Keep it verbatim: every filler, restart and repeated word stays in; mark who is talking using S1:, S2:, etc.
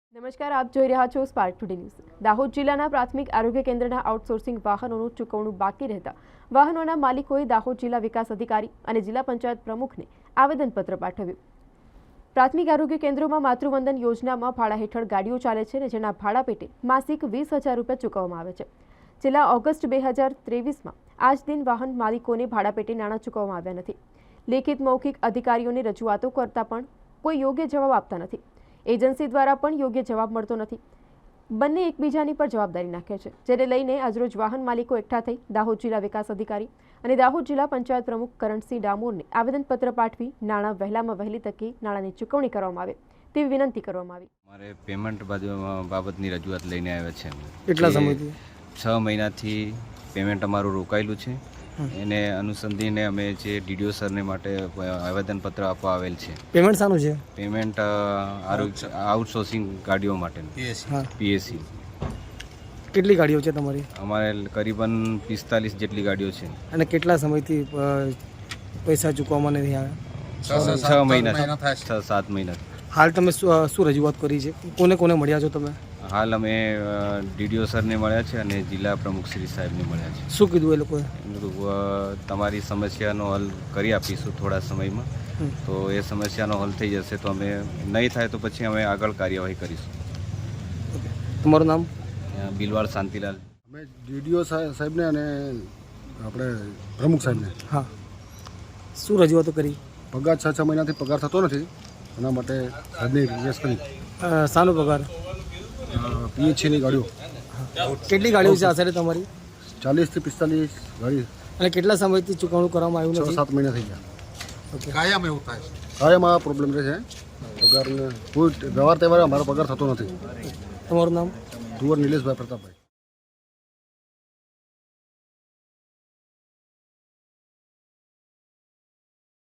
S1: નમસ્કાર, આપ જોઈ રહ્યા છો સ્પાર્ક ટુડે ન્યૂઝ। દાહોદ જિલ્લાના પ્રાથમિક આરોગ્ય કેન્દ્રના આઉટસોર્સિંગ વાહનોનું ચૂકવણું બાકી રહેતા વાહનોના માલિકોએ દાહોદ જિલ્લા વિકાસ અધિકારી અને જિલ્લા પંચાયત પ્રમુખને આવેદનપત્ર પાઠવ્યું। પ્રાથમિક આરોગ્ય કેન્દ્રોમાં માતૃવંદન યોજનામાં ભાડા હેઠળ ગાડીઓ ચાલે છે અને જેના ભાડા પેટે માસિક વીસ હજાર રૂપિયા ચૂકવવામાં આવે છે। છેલ્લા ઓગસ્ટ બે હજાર ત્રેવીસમાં આજ દિન વાહન માલિકોને ભાડા પેટે નાણાં ચૂકવવામાં આવ્યા નથી। લેખિત મૌખિક અધિકારીઓને રજૂઆતો કરતા પણ કોઈ યોગ્ય જવાબ આપતા નથી। એજન્સી દ્વારા પણ યોગ્ય જવાબ મળતો નથી। બંને એકબીજાની પર જવાબદારી નાખે છે, જેને લઈને આજરોજ વાહન માલિકો એકઠા થઈ દાહોદ જિલ્લા વિકાસ અધિકારી અને દાહોદ જિલ્લા પંચાયત પ્રમુખ કરણસિંહ ડામોરને આવેદનપત્ર પાઠવી નાણાં વહેલામાં વહેલી તકે નાણાંની ચૂકવણી કરવામાં આવે તેવી વિનંતી કરવામાં આવી।
S2: મારે પેમેન્ટ બાબતની રજૂઆત લઈને આવ્યા છે।
S3: કેટલા સમયથી?
S2: છ મહિનાથી પેમેન્ટ અમારું રોકાયેલું છે। એને અનુસંધીને અમે જે ડીડીઓ સરને માટે આવેદનપત્ર આપવા આવેલ છે।
S3: પેમેન્ટ શાનું છે?
S2: પેમેન્ટ આઉટસોર્સિંગ ગાડીઓ માટેનું પીએસસી।
S3: કેટલી ગાડીઓ છે તમારી? અમારે
S2: કરીબન પિસ્તાલીસ જેટલી ગાડીઓ છે।
S3: અને કેટલા સમયથી પૈસા ચૂકવવામાં નથી આવ્યા?
S2: છ મહિના છ સાત મહિના।
S3: હાલ તમે શું રજૂઆત કરી છે? કોને કોને મળ્યા છો તમે?
S2: હાલ અમે ડીડીઓ સરને મળ્યા છે અને જિલ્લા પ્રમુખ શ્રી સાહેબને મળ્યા છે।
S3: શું કીધું એ લોકોએ?
S2: તમારી સમસ્યાનો હલ કરી આપીશું થોડા સમયમાં, તો એ સમસ્યાનો હલ થઈ જશે તો અમે નહીં થાય તો પછી અમે આગળ કાર્યવાહી કરીશું।
S3: તમારું નામ?
S2: બિલવાડ શાંતિલાલ।
S4: અમે ડીડીઓ સાહેબને અને આપણે પ્રમુખ સાહેબને
S3: હા શું રજૂઆતો કરી?
S4: પગાર છ છ મહિનાથી પગાર થતો નથી, એના માટે સાહેબને રિક્વેસ્ટ કરી।
S3: શાનો પગાર?
S4: પીએચસીની ગાડીઓ।
S3: કેટલી ગાડીઓ છે આશરે તમારી?
S4: ચાલીસથી પિસ્તાલીસ ગાડી।
S3: અને કેટલા સમયથી ચૂકવણું કરવામાં આવ્યું
S4: છ
S3: નથી?
S4: સાત મહિના થઈ ગયા।
S3: ઓકે,
S4: કાયમ એવું થાય છે? કાયમ આ પ્રોબ્લેમ રહે છે પગારને। કોઈ વ્યવહાર તહેવાર અમારો પગાર થતો નથી।
S3: તમારું નામ?
S4: કુંવર નિલેશભાઈ પ્રતાપભાઈ।